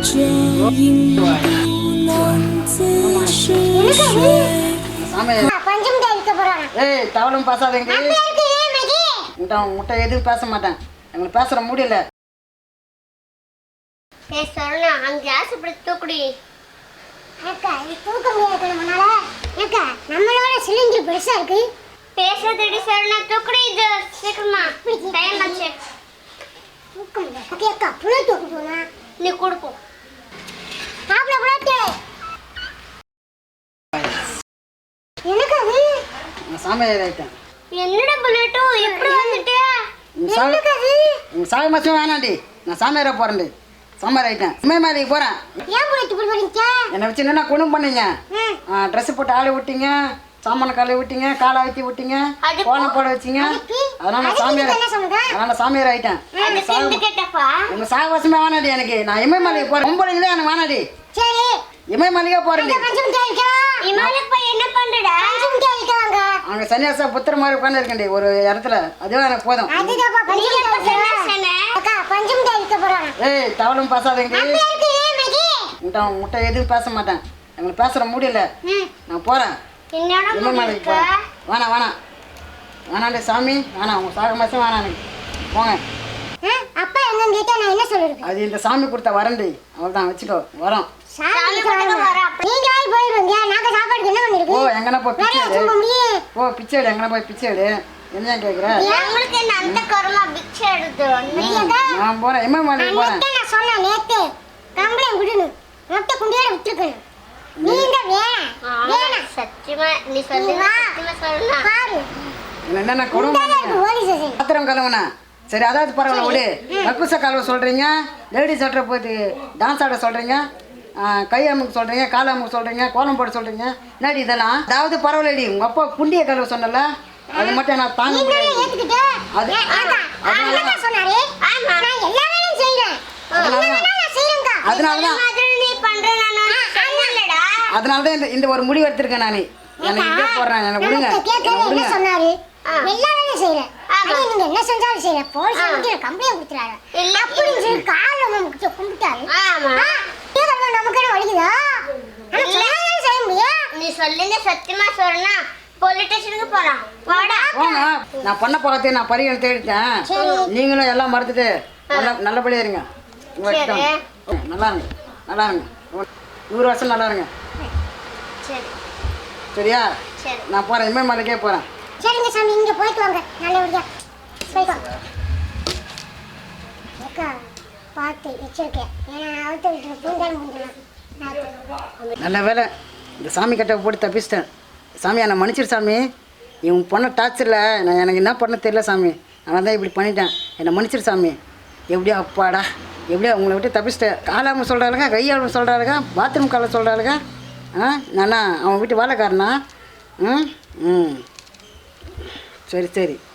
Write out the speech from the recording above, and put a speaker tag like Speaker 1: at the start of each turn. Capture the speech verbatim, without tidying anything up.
Speaker 1: ஏய் தவளும் பேசாதீங்க. முட்டை எதுவும் பேச மாட்டேன். எங்களுக்கு பேசுற முடியல.
Speaker 2: ஏய் சரவணா அந்த கிளாஸ் இப்படி தூக்குடி.
Speaker 3: அக்கா இது தூக்க முடியாது முன்னால. அக்கா நம்மளோட சிலிண்டர் பெருசா இருக்கு.
Speaker 2: பேசாதடி சரவணா தூக்குடி இது சீக்கிரமா. டைம் ஆச்சு.
Speaker 3: தூக்க முடியாது. அக்கா புள்ள தூக்கு போனா
Speaker 2: நீ கொடுப்போ.
Speaker 3: சாப்பிட கூடாது. எனக்கு அது
Speaker 1: நான் சாமியார் ஆயிட்டேன்.
Speaker 2: என்னடா புல்லட்டோ எப்படி வந்துட்டே?
Speaker 3: எனக்கு அது
Speaker 1: உங்க சாமி மாசம் வேணாண்டி. நான் சாமியாரா போறேன்டி. சாமியார் ஆயிட்டேன். இமயமலைக்கு போறேன்.
Speaker 3: ஏன் புள்ளட்டு போறீங்க?
Speaker 1: என்ன வச்சு என்ன குணம் பண்ணீங்க? ட்ரெஸ் போட்டு ஆளை விட்டீங்க, சாமான காலை விட்டீங்க, காலை ஆத்தி விட்டீங்க, கோலம் போட வச்சிங்க. அதனால நான் சாமியார் அதனால சாமியார் ஆயிட்டேன். உங்க சாகவாசமே வேணாடி எனக்கு. நான் இமயமலைக்கு போறேன். பொம்பளைங்களே எனக்கு வேணாடி.
Speaker 3: சரி
Speaker 1: இமயமலைக்கே போறேன்டி.
Speaker 2: இமயமலைக்கு போய் என்ன பண்றடா?
Speaker 1: அங்க சன்னியாசா புத்திர மாதிரி உட்கார்ந்து இருக்கேன்டி ஒரு இடத்துல. அதுவே எனக்கு போதும். ஏய் தவளும் பேசாதீங்க. முட்டை எதுவும் பேச மாட்டேன். எங்களுக்கு பேசுற முடியல. நான் போறேன். இமயமலைக்கு போறேன். வேணாம் வேணாம் வேணாண்டி சாமி வேணாம். உங்க சாக மாசம் வேணாம் எனக்கு. போங்க.
Speaker 3: அப்பா என்னன்னு கேட்டா நான் என்ன சொல்றது?
Speaker 1: அது இந்த சாமி கொடுத்த வரண்டி. அவ்வளவுதான் வச்சுக்கோ. வரோம். ஓ எங்கனா போய் பிச்சை எடு. ஓ பிச்சை எடு. எங்கனா போய் பிச்சை எடு. என்ன கேக்குற? நான் போறேன். இமயமலைக்கு போறேன்.
Speaker 3: நான் சொன்னேன் நேத்து கம்பளம் விடணும். மொட்டை குண்டியோட விட்டுருக்கணும். நீங்க வேணாம் வேணாம்
Speaker 2: சத்தியமா நீ சொல்லுங்க. சத்தியமா சொல்லுங்க.
Speaker 3: பாரு
Speaker 1: என்னென்ன குடும்பம் பாத்திரம் கழுவுனா சரி. அதாவது பரவாயில்ல விடு. கக்கூச கழுவ சொல்றீங்க, லேடிஸ் சட்டரை போயிட்டு டான்ஸ் ஆட சொல்றீங்க, கை அமுக்கு சொல்றீங்க, கால் அமுக்கு சொல்றீங்க, கோலம் போட சொல்றீங்க. என்னடி இதெல்லாம்? அதாவது பரவாயில்லடி. உங்க அப்பா குண்டியை கழுவ சொன்னல, அது மட்டும் நான் தாங்க முடியாது. அது அதனாலதான் அதனாலதான் இந்த இந்த ஒரு முடிவு எடுத்திருக்கேன் நான். எனக்கு இதே போடுறேன். எனக்கு விடுங்க
Speaker 3: விடுங்க. எல்லா வேலையும் செய்யறேன். நீங்க என்ன செஞ்சாலும் செய்யறேன். போலீஸ் வந்து கம்ப்ளைண்ட் கொடுத்துறாரு. அப்படின்னு சொல்லி கால்ல வந்து கும்பிட்டாரு. நமக்கு என்ன வலிக்குதா? செய்ய முடியும்.
Speaker 2: நீ சொல்லுங்க. சத்தியமா சொல்றேன்னா போலீஸ் ஸ்டேஷனுக்கு போறோம். வாடா
Speaker 1: போங்க. நான் பண்ண போகத்தே நான் பரிகாரம் தேடிட்டேன். நீங்களும் எல்லாம் மறந்துட்டு நல்ல நல்லபடியா இருங்க. நல்லா இருங்க நல்லா இருங்க. நூறு வருஷம் நல்லா இருங்க. சரியா? நான் போறேன். இமயமலைக்கே போறேன்.
Speaker 3: சரிங்க சாமி இங்க போயிட்டு வாங்க. நல்லபடியா போயிட்டு வாங்க. அக்கா பார்த்து எச்சரிக்கை. ஏன்னா அவத்த விட்டு பூந்தாலும் முடியலாம்.
Speaker 1: நல்ல வேலை இந்த சாமி கட்டை போட்டு தப்பிச்சிட்டேன். சாமி என்னை மன்னிச்சிரு சாமி. இவன் பொண்ணை டார்ச்சரில் நான் எனக்கு என்ன பண்ண தெரியல சாமி. நான் தான் இப்படி பண்ணிட்டேன். என்னை மன்னிச்சிரு சாமி. எப்படியோ அப்பாடா எப்படியோ உங்களை விட்டு தப்பிச்சிட்டேன். காலாமல் சொல்கிறாளுங்க, கையாளும் சொல்கிறாளுங்க, பாத்ரூம் காலை சொல்கிறாளுங்க. ஆ நானா அவன் வீட்டு வேலைக்காரனா? ம் ம் சரி சரி.